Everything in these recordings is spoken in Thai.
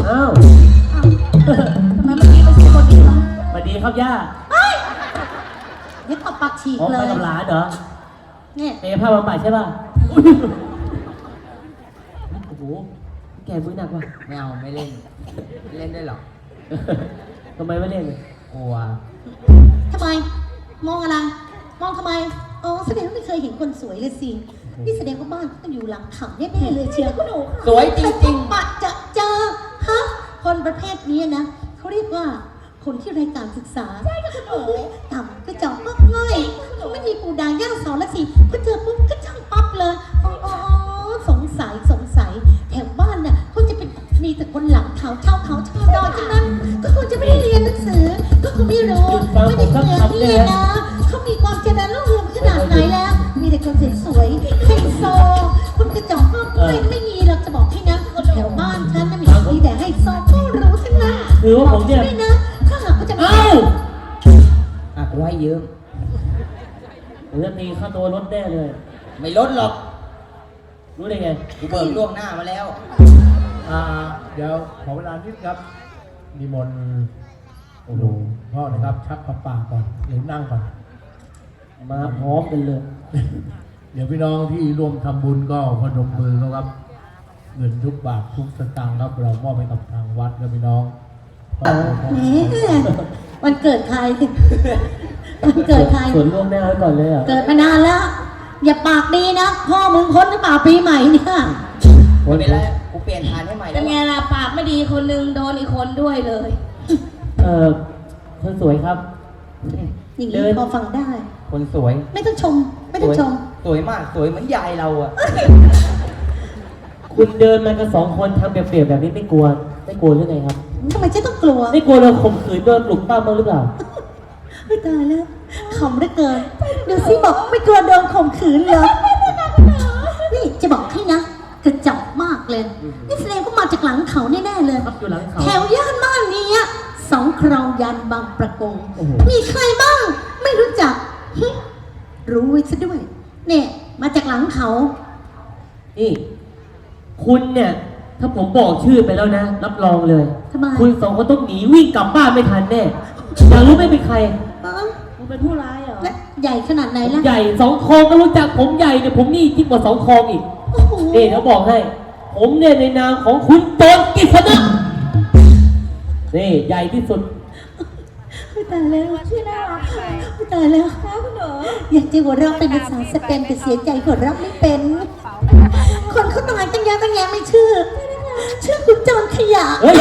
อ้าวทำไมเมื่อกี้ไม่ใช่คนนี้วะสวัสดีครับย่าเดี๋ยวตบปากฉีกอ๋อเลไปยกับหลานเหรอเนี่ยเตะผ้าบำบัดใช่ป่ะโอ้โหแกมือหนักว่ะไม่เอาไม่เล่นไม่เล่นได้หรอกทำไมไม่เล่นเลยกลัวทำไมมองอะไรมองทำไมอ๋อแสดงว่าไม่เคยเห็นคนสวยเลยสินี่แสดงว่าบ้านต้องอยู่หลังเขาแน่ๆเลยเชียวคุณหนูสวยจริงๆปะจะเจอฮะคนประเภทนี้นะเขาเรียกว่าคนที่ไร้การศึกษาใช่ค่ะคุณหนูต่ำก็จอกมากง่อยเขาไม่มีปูดาย่าสอนละสิพอเจอปุ๊บก็ช่างปั๊บเลยอ๋อสงสัยแถวบ้านน่ะเขาจะเป็นมีแต่คนหลังเขาชาวดอยทั้งนั้นก็คงจะไม่ได้เรียนหนังสือก็คงไม่รู้ไม่ได้เหมือนนี่นะเขามีความเจริญรุ่งเรืองขนาดไหนแล้วมีแต่คนสวยๆไฮโซคุณกระจอกก็ไม่มีเราจะบอกให้นะแถวบ้านฉันน่ะมีแต่ไฮโซก็รู้ทั้งนั้นคือว่าผมเนี่ยไม่นะถ้าหากว่าจะเอ้าอ่ะกูให้ยืมผมจะตีค่าตัวรถแน่เลยไม่ลดหรอกรู้ได้ไงกูเบิกล่วงหน้ามาแล้วเดี๋ยวขอเวลานิดครับนิมนต์โอ้โหพ่อนะครับ ชักปากก่อนหรือนั่งก่อนมาพร้อมกันเลยเดี๋ยวพี่น้องที่ร่วมทำบุญก็พนมมือเขาครับ เงินทุกบาททุกสตางค์ครับ เรามอบให้กับทางวัดครับพี่น้องแหมวันเกิดใครวันเกิดใครส่วนล่วงหน้าไว้ก่อนเลยอ่ะเกิดมานานแล้ว อย่าปากดีนะพ่อมึงพ้นหรือเปล่าปีใหม่เนี่ยไม่เป็นไรกูเปลี่ยนทานให้ใหม่แล้เป็วนไงล่ะปากไม่ดีคนนึงโดนอีกคนด้วยเลยคนสวยครับอย่างนี้พอฟังได้คนสวยไม่ต้องชม ไม่ต้องชมสวยมากสวยเหมือนยายเราอะคุณเดินมากัน2 คนทำเปรียบๆแบบนี้ไม่กลัวหรือไงครับทำไมจะต้องกลัวไม่กลัวเราข่มขืนโดนปลุกปั้มบ้างหรือเปล่าไม่ตายแล้วขำเหลือเกินดูสิบอกไม่กลัวโดนข่มขืนเหรอนี่จะบอกให้นะกระจอกมากเลยนี่แสดงว่ามาจากหลังเขาแน่ๆเลยครับอยู่หลังเขาแถวย่านบ้านนี้สองครองยันบางประกงโอ้โหมีใครบ้าง ไม่รู้จักหึรู้ไว้ซะด้วย เนี่ย มาจากหลังเขานี่ คุณเนี่ย ถ้าผมบอกชื่อไปแล้วนะ รับรองเลยทำไมคุณ2 คนต้องหนีวิ่งกลับบ้านไม่ทันแน่อยากรู้ไหม่เป็นใครเอ้ามึงเป็นผู้ร้ายเหรอและใหญ่ขนาดไหนล่ะใหญ่2 คลองก็รู้จักผมใหญ่เนี่ยผมนี่ยิ่งกว่า2 คลองอีกโอ้โหนี่เขาบอกให้ ผมเนี่ยในนามของคุณโจรกิษณะนี่ใหญ่ที่สุดไม่ตายแล้วชื่อน่ารักไหมไม่ตายแล้วคะคุณหนูอยากจะหัวเราะเป็นภาษาสเปนแต่เสียใจหัวเราะไม่เป็น คนเขาตายตั้งแยะไม่ชื่อคุณจอนขยะเฮ้ย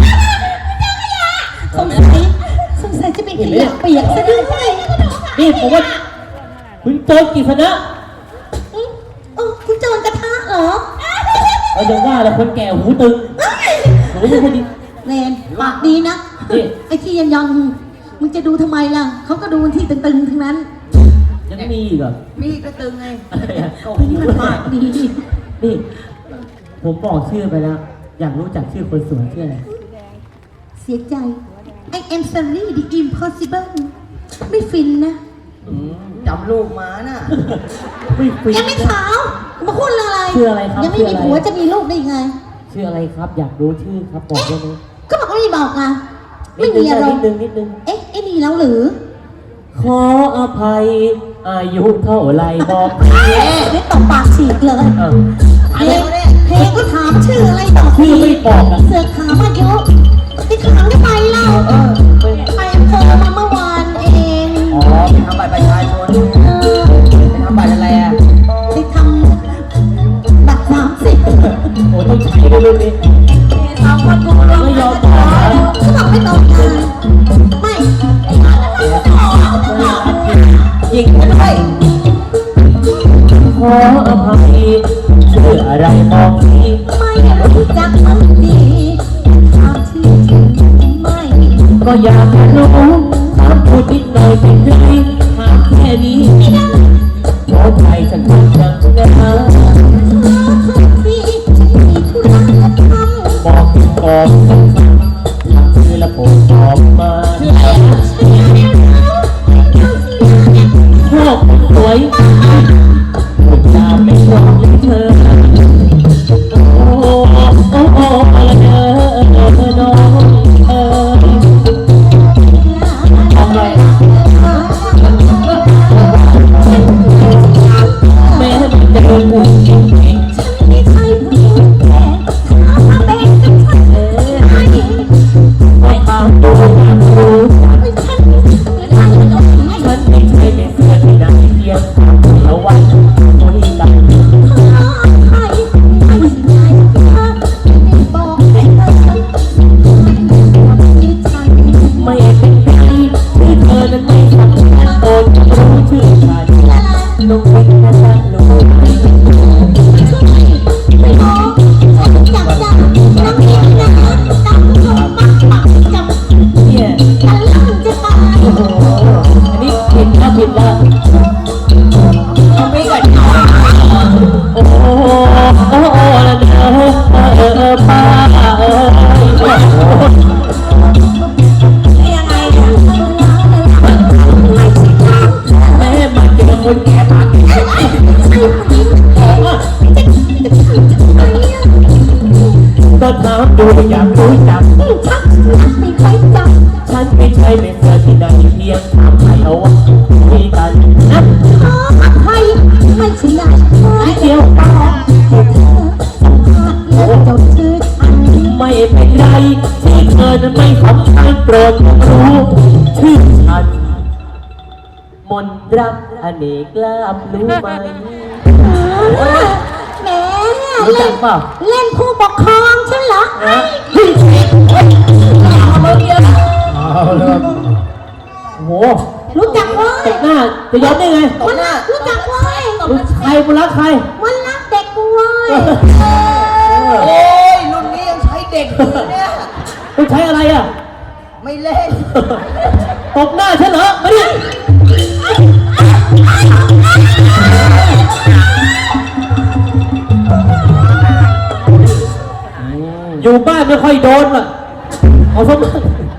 สงสัยจะเป็นขยะเปียกซะด้วยนี่ผมว่าคุณโจรกิษณะคุณจอนกระทะเหรอเราจะว่าแล้วคนแก่หูตึงหูไม่ค่อยดีเรนปากดีนะนี่ไอ้ที่ยังมึงจะดูทำไมล่ะเขาก็ดูที่ตึงๆทั้งนั้นยังมีอีกเหรอมีกระตึงไงอะไรอะโอ้ยนี่มันปากดีนี่ ผมบอกชื่อไปแล้ว อยากรู้จักชื่อคนสวยชื่ออะไรเสียใจ I am sorry the impossible ไม่ฟินนะจำลูกมาน่ะไม่ฟรียังไม่ขาวมาพูดเรื่องอะไรชื่ออะไรครับยังไม่ชื่อมีอะไรผัวจะมีลูกได้ยังไงชื่ออะไรครับ อยากรู้ชื่อครับบอกได้ไหมก็บอกว่าไม่บอกอ่ะนิไม่ดนึมีงอารมณ์นิดนึงเอ๊ะไอ้นี่เราหรือขออภัย อายุเท่าไรบอกทีไม่ตบปากฉีกเลยเออเพลงก็ถามชื่ออะไรต่อชื่อไม่บอกอะเสือกถามอายุไปถามได้ไปเล่าไปอำเภอมาเมื่อวานเองอ๋อไปทำบัตรประชาชนไปทำบัตรอะไรอะไปทำบัตร30 โอ้ต้องใช้ด้วยรุ่นนี้สองคนกูรวมไม่ยอมกันบอกนะเขาบอกไม่ตรงกันไม่ยิงกันด้วยขออภัยชื่ออะไรบอกทีไม่รู้จักมันดีถามชื่อจริงไม่ก็อยากจะรู้ถามพูดนิดหน่อยเป็นไรถามแค่นี้ขอใจฉันทำจังนะที่ฉันมีธุระจะทำบอกสักคำถามชื่อและโปรดตอบมาชอบคนสวยพูดจาไม่ชอบเลยเธอโอ้โอ้โอ้อะไรเธอามดูอยากรู้จักชักไม่ค่อยจับฉันไม่ใช่เป็นเสือที่ไหนเพียงถามใครเอาว่าคุยกันนะขอใครไม่ใช่อยากขอเดียวแค่เธอสัมผัสและจดชื่อฉันไม่เป็นไรที่เธอนั้นไม่สำคัญโปรดรู้ชื่อฉันมนรักอเนกลาบรู้ไหมแหมรู้จักเปล่าเล่นผู้ปกครองฉันเหรอฮะเอาเลยครับโอ้โหรู้จักเว้ตยบหน้าจะยอมได้ไงวันรักรู้จักเว้ยรู้ใครบุรักใครวันรักเด็กกูเว้ยโอ้ยรุ่นนี้ยังใช้เด็กอยู่เนี่ยคุณใช้อะไรอ่ะไม่เล่นตบหน้าฉันเหรอมาดิอยู่บ้านไม่ค่อยโดนว่ะเอาสมอง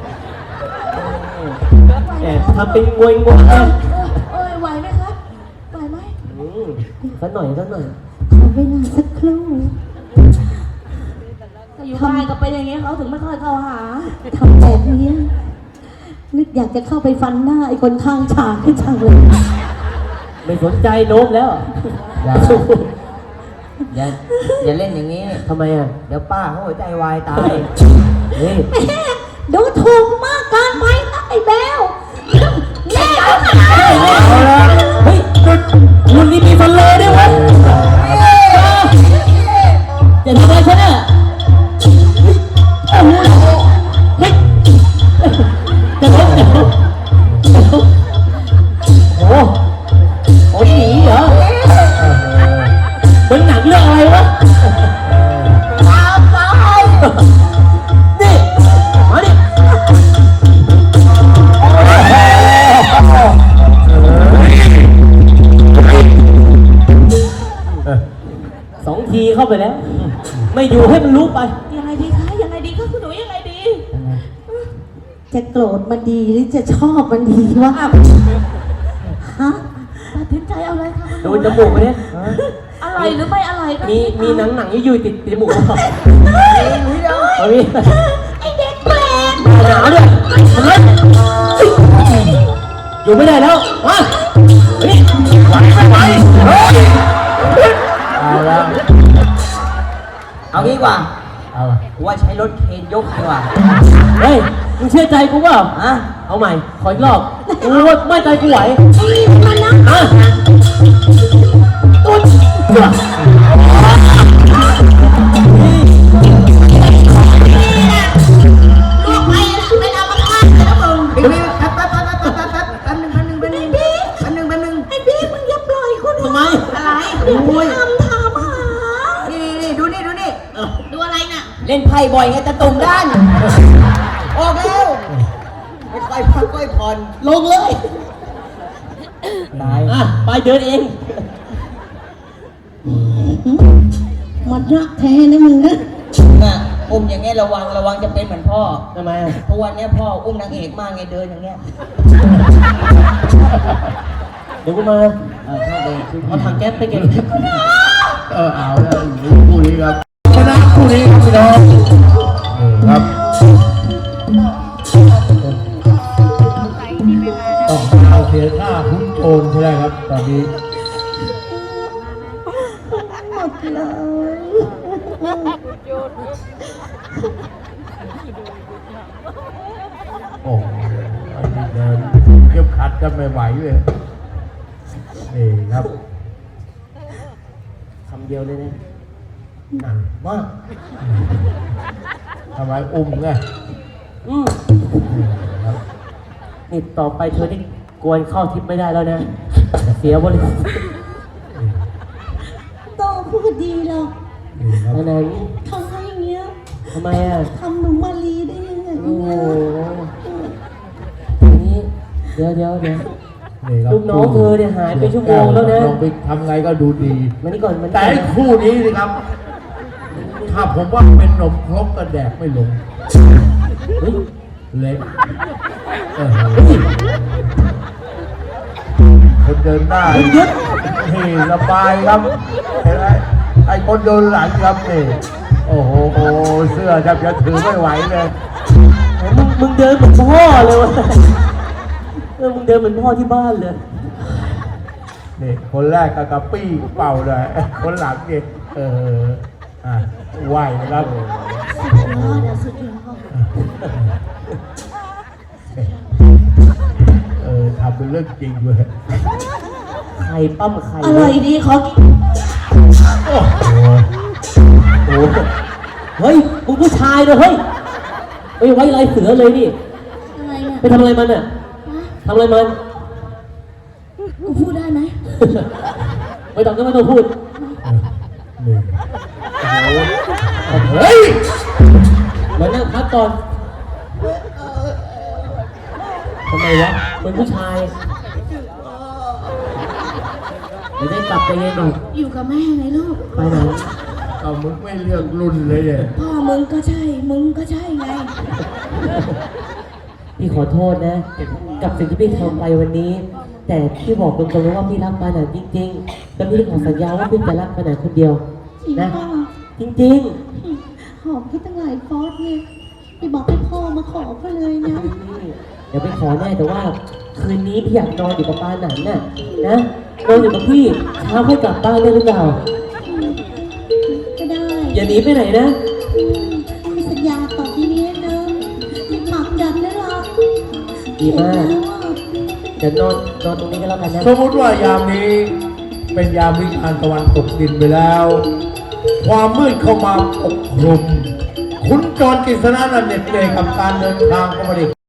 แอบทำเป็นงวยงวยนะเอ้ยไหวไหมครับไหวไหมสักหน่อยสักหน่อยขอเวลาสักครู่ถ้าอยู่บ้านก็เป็นอย่างเงี้ยเขาถึงไม่ค่อยเข้าหาทำแบบนี้นึกอยากจะเข้าไปฟันหน้าไอ้คนข้างฉากที่จังเลยไม่สนใจโน้มแล้วอย่าเล่นอย่างนี้ทำไมอ่ะเดี๋ยวป้าเขาหัวใจวายตายนี่ดูถูกมากเกินไปนะไอ้แบวแม่เอาหาเอาละเฮ้ยรุ่นนี้มีฟันเลยด้วยวะจะทำอะไรฉันอ่ะเฮ้ยจะล้มจะล้มโอ้โหโอ้ยหนีเหรอเป็นหนังเรื่องอะไรวะนี่มาดิสองทีเข้าไปแล้ว ไม่อยู่ให้มันรู้ไปยังไงดีคะยังไงดีคะคุณหนูยังไงดีจะโกรธมันดีหรือจะชอบมันดีวะฮะตัดสินใจเอาเลยค่ะคุณหดูนูจมูกไปเนี่ยอะไรหรือไม่อะไรก็มีหนังยุ่ยติดจมูกเขาเอาดิไอ้เด็กแปลกหนาวด้วยทำไมอยู่ไม่ได้แล้วมาเฮ้ยไหวไม่ไหวเฮ้ยเอาแล้วเอางี้ดีกว่าเอากูว่าใช้รถเคนยกดีกว่าเฮ้ยมึงเชื่อใจกูเปล่าฮะเอาใหม่ ขออีกรอบกูว่าไม่ใจกูไหวนี่มันนะอ่ะตุ๊ดจ้ะลูกไปนะไม่เอามาฆ่านะมึงแป๊บนึงไอ้พี่มึงอย่าปล่อยคนทำไมอะไรโอ้ยถามหานี่ดูนี่ดูอะไรน่ะเล่นไพ่บ่อยไงตะตุ่มด้านออกแล้วไม่ค่อยพักค่อยผ่อนลงเลยตายอ่ะไปเดินเองมันรักแท้นะมึงนะน่ะอุ้มอย่างเงี้ยระวังจะเป็นเหมือนพ่อทำไมอ่ะทุกวันเนี้ยพ่ออุ้มนางเอกมากไงเดินอย่างเงี้ยเดี๋ยวกูมาโทษเลยเอาถังแก๊สไปเก็บเอาแล้วคู่นี้ครับชนะคู่นี้ครับพี่น้องครับต้องเอาเสียท่าพุ้นโอนใช่ไหมครับตอนนี้หมดเลยโอ้โหอันนี้เดินเก็บขัดกันไม่ไหวเลยนี่ครับคำเดียวเลยนะหนักมากทำไมอุ้มไงอืมครับนี่ต่อไปเธอนี่กวนเข้าทิพย์ไม่ได้แล้วนะ เสียบริษัทโตพูดดีหรอกนี่ครับอันนั้นทำให้อย่างเงี้ยทำไมอ่ะทำหนูมาลีได้ยังไงโอ้โหอันนี้เดี๋ยวนี่ครับลูกน้องเธอเนี่ยหายไปชั่วโมงแล้วนะลองไปทำไงก็ดูดีมานี่ก่อนมันแต่ไอ้คู่นี้สิครับ ถ้าผมว่าเป็นนมครกก็แดกไม่ลงเฮ้ยเล็กคนเดินหน้านี่สบายครับเห็นไหมไอ้คนเดินหลังครับนี่โอ้อ้โหเสื้อแทบจะถือไม่ไหวเลยมึงเดินเหมือนพ่อเลยวะมึงเดินเหมือนพ่อที่บ้านเลยนี่คนแรกก็กระปี้เป่าเลยคนหลังนี่ไหวนะครับสุดยอดทำเป็นเรื่องจริงเลยไข่ปั้มไข่อร่อยดีขอกินโอ้โหโอ้โหเฮ้ยมึงผู้ชายเลยเฮ้ยไปไว้ลายเสือเลยนี่อะไรเนี่ยไปทำอะไรมันอ่ะทำอะไรมันกูพูดได้ไหมไม่ต้องก็ไม่ต้องพูดนี่โอ้โหเฮ้ยมานั่งพักก่อนทำไมวะเป็นผู้ชายไม่ได้กลับไปเย็นหรอกอยู่กับแม่ไงลูกไปไหนเอามึงไม่เลือกรุ่นเลยเนี่ยพ่อมึงก็ใช่ มึงก็ใช่ไงพี่ขอโทษนะ กับสิ่งที่พี่ทำไปวันนี้ แต่พี่บอกตรงๆเลยว่าพี่รักปาหนันจริงๆแล้วพี่ขอสัญญาว่าพี่จะรักปาหนันคนเดียวจริงนะป่ะจริงหอมที่ตั้งหลายฟอสเนี่ยไปบอกให้พ่อมาขอเขาเลยนะๆเดี๋ยวไปขอแน่แต่ว่า คืนนี้พี่อยากนอนอยู่กับปาหนันน่ะนะนอนอยู่กับพี่เช้าค่อยกลับบ้านได้หรือเปล่าก็ได้อย่าหนีไปไหนนะพี่สัญญาต่อที่นี้นะหมักดันได้หรอดีมากเดี๋ยวนอนตรงนี้ก็แล้วกันนะสมมติว่ายามนี้เป็นยามวิกาลตะวันตกดินไปแล้ว ความมืดเข้ามาปกคลุมคุณจรกฤษณะนันเหน็ดเหนื่อยกับการเดินทางเข้ามาดิ